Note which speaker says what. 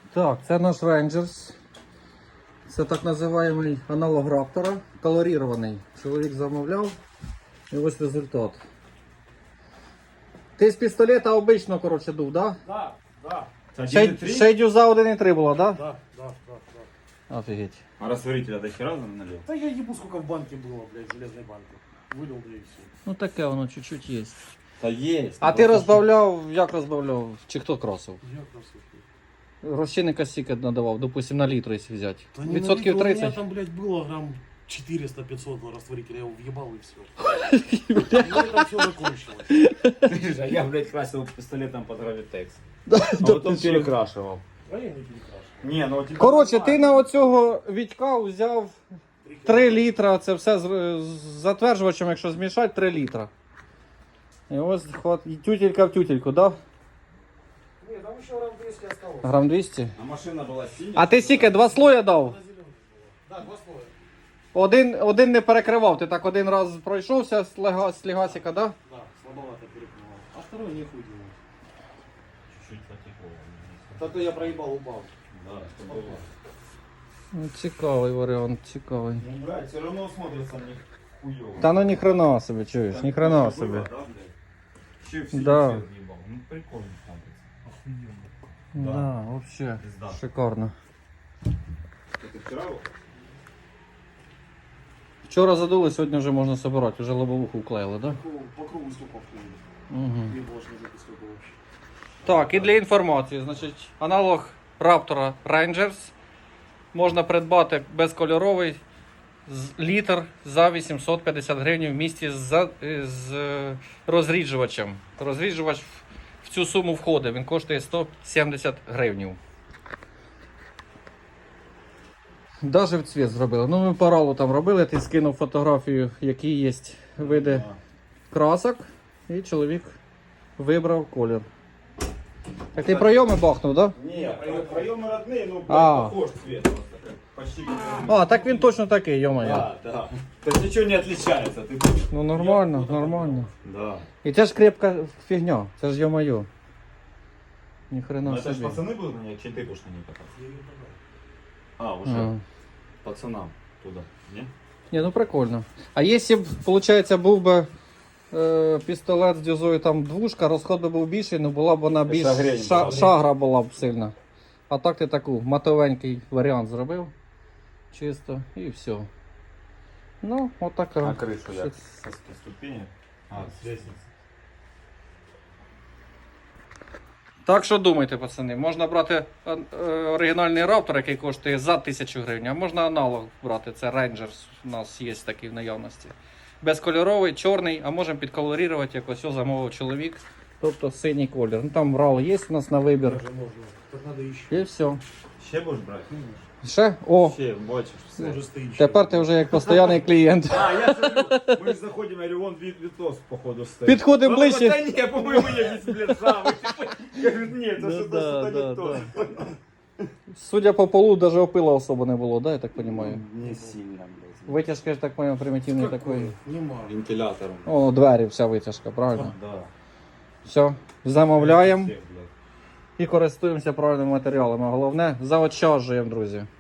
Speaker 1: Так, це наш Rangers. Це так називаємий аналог Раптора, колорірований. Чоловік замовляв і ось результат. Ти з пістолета обично, коротше, дув, так?
Speaker 2: Да, да.
Speaker 1: Ще й дюза 1,3 була, так?
Speaker 2: Да, да, да, да.
Speaker 1: Офігеть.
Speaker 3: А растворителя до хера налил?
Speaker 2: Да я ебу, сколько в банке было, блядь, железной банки. Вылил, да и все.
Speaker 1: Ну таке воно чуть-чуть є.
Speaker 3: Да есть.
Speaker 1: А ти розбавляв, як розбавляв? Чи хто красив?
Speaker 2: Я красавчик.
Speaker 1: Розчинника стільки надавав, допустим, на літр, якщо взяти.
Speaker 2: Да не
Speaker 1: Відсотків
Speaker 2: налито, у меня
Speaker 1: 30?
Speaker 2: там, блядь, было грамм 400-500 растворителя, я его въебал и все. И это все закончилось.
Speaker 3: А я, блядь, красил пистолетом под гравитекс.
Speaker 1: Да,
Speaker 3: А потом перекрашивал.
Speaker 2: А я не перекрашивал.
Speaker 3: Не, ну типа...
Speaker 1: Коротше, ти на оцього Вітька взяв 3 літра, це все з затверджувачем, якщо змішати, 3 літра. І ось і тютелька в тютельку, так? Да?
Speaker 2: Не, там еще грамм 200 осталось.
Speaker 1: Грам 200.
Speaker 3: А машина была синяя.
Speaker 1: А ти стільки 2 слоя дав?
Speaker 2: Она зеленая была. Да, 2 слоя.
Speaker 1: Один не перекривав, ти так один раз пройшовся з легасика, да?
Speaker 2: Да, слабовато перекрывал. А второй не хуй делать.
Speaker 3: Чуть-чуть потекло.
Speaker 2: Зато я проебал, упал.
Speaker 3: Да, что было.
Speaker 1: Ну, цікавий варіант, цікавий.
Speaker 3: Ну, блядь, все равно смотрится мне хуёво.
Speaker 1: Та ну ні хрена собі, чуєш, ні хрена
Speaker 3: Было,
Speaker 1: собі.
Speaker 3: да, блядь? Еще в синий
Speaker 1: Да.
Speaker 3: цвет въебал. Ну, прикольно смотрится. Охуенно.
Speaker 1: Да, вообще
Speaker 3: Пизда.
Speaker 1: шикарно.
Speaker 3: Это вчера было?
Speaker 1: Вчора задули, сьогодні вже можна собирати, вже лобовуху вклеїли, да?
Speaker 2: По кругу столько вклеили.
Speaker 1: Угу.
Speaker 2: Не было ж никакой столько вообще.
Speaker 1: Так, і для інформації, значить, аналог Раптора Rangers можна придбати безкольоровий літр за 850 гривень в місті з розріджувачем. Розріджувач в цю суму входить, він коштує 170 гривень. Даже в цвіт зробили. Ну, ми паралу там робили, ти скинув фотографію, які є види красок, і чоловік вибрав колір. Так ти пройоми бахнув, так? Да?
Speaker 3: Не, проемы родные, ну,
Speaker 1: А.
Speaker 3: похож цвет просто. Почти как
Speaker 1: А, так він точно такий, йо-моє.
Speaker 3: Да, да. То есть ничего не отличается. Ты будешь...
Speaker 1: Ну нормально, нормально.
Speaker 3: Да.
Speaker 1: І це ж крепка фігня, це ж йо-моє. Ніхрена
Speaker 3: Ну, это же
Speaker 1: собі.
Speaker 3: пацаны будут на ней, чи ты будешь на ней кататься?
Speaker 2: Я ее продал.
Speaker 3: А, уже
Speaker 1: А.
Speaker 3: пацанам туда, не?
Speaker 1: Ні, ну прикольно. А якщо б, виходить, був би пістолет з дюзою там двушка, розход би був більший, ну була б вона більш
Speaker 3: Шагрень була б.
Speaker 1: шагра була б сильна. А так ти таку матовенький варіант зробив. Чисто і все. Ну, отака.
Speaker 3: А крышу я со ступени? А, с лестницы.
Speaker 1: Так що думайте, пацани, можна брати оригінальний Раптор, який коштує за 1000 гривень, а можна аналог брати, це Rangers, у нас є такий в наявності. Безкольоровий, чорний, а можемо підколорувати, якось ось замовив чоловік, тобто синій колір. Ну там RAL є у нас на вибір.
Speaker 2: Даже можно. Так надо еще.
Speaker 1: І все.
Speaker 3: Ще будешь брать?
Speaker 1: Ще? О,
Speaker 3: Ще бачиш все.
Speaker 2: Может стоит.
Speaker 1: тепер ти вже як постійний клієнт.
Speaker 3: А, я смотрю, мы же заходим, я говорю, вон Витос, походу, стоит.
Speaker 1: Підходимо
Speaker 3: Он
Speaker 1: ближче.
Speaker 3: говорит, да не, по-моему, я здесь, блядь, самый. Я говорю, нет, это
Speaker 1: Ну
Speaker 3: что-то
Speaker 1: да,
Speaker 3: что-то
Speaker 1: да,
Speaker 3: не то.
Speaker 1: Судя по полу, навіть опила особо не було, да, я так розумію?
Speaker 3: Не сильно, блядь.
Speaker 1: Витяжка, я так розумію, примітивний такий.
Speaker 2: Нема.
Speaker 3: Вентилятором.
Speaker 1: О, двері, вся витяжка, правильно?
Speaker 3: Да.
Speaker 1: Все, замовляємо.
Speaker 3: Всех, блядь.
Speaker 1: І користуємося правильними матеріалами. Головне, заощаджуємо, друзі.